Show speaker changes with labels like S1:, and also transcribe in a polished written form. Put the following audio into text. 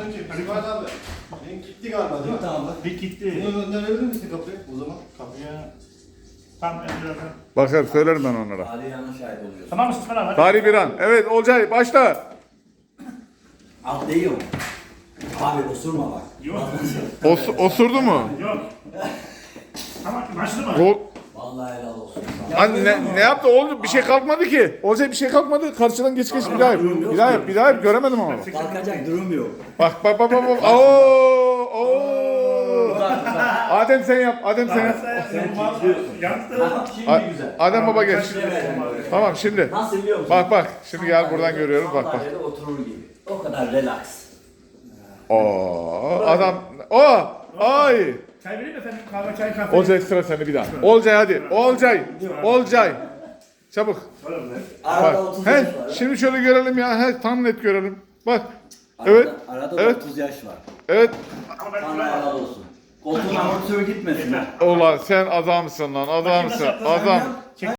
S1: Sen çek. İsmail abi. Link gitti galiba değil mi?
S2: Tamam.
S3: Bir gitti.
S1: Bunu gönderebilir misin kapıya o zaman?
S3: Kapıya. Tam zaten.
S4: Bakar söylerim ben onlara.
S2: Ali yanlış şahit oluyor.
S3: Tamam mısın İsmail abi?
S4: Tarih bir an. Evet Olcay başla.
S2: Alt değiyor mu? Abi osurma bak.
S3: Yok.
S4: Osurdu mu?
S3: Yok. Tamam başladı mı?
S4: Gol.
S2: Vallahi helal olsun.
S4: Hani ne yaptı oğlum? Bir şey kalkmadı ki. Olcay bir şey kalkmadı. Karşıdan geç bir daha yap. Bir daha yap. Bir daha yap. Göremedim ama.
S2: Kalkacak durum yok.
S4: Bak. Oo. Adem sen yap. Adem sen yap.
S3: Yaktı.
S2: Şimdi güzel.
S4: Adem baba geç.
S2: Evet.
S4: Tamam şimdi.
S2: Nasıl biliyor musun?
S4: Bak. Şimdi gel buradan görüyoruz. Bak.
S2: Sandalyede oturur gibi. O kadar relax.
S4: Oo. Adam. Ay.
S3: Çay vereyim mi efendim? Kahve, çay, kahve.
S4: Olcay sıra sende bir daha. Olcay hadi. Olcay. Çabuk.
S2: Arada
S4: Bak.
S2: 30 yaş var.
S4: Şimdi şöyle görelim ya. Tam net görelim. Bak. Evet.
S2: Arada
S4: Evet.
S2: 30 yaş var.
S4: Evet.
S3: Ama ben
S2: Sana helal olsun. Koltuğun amortisörü gitmesin.
S4: Ulan sen adamsın lan. Adamsın. Adam.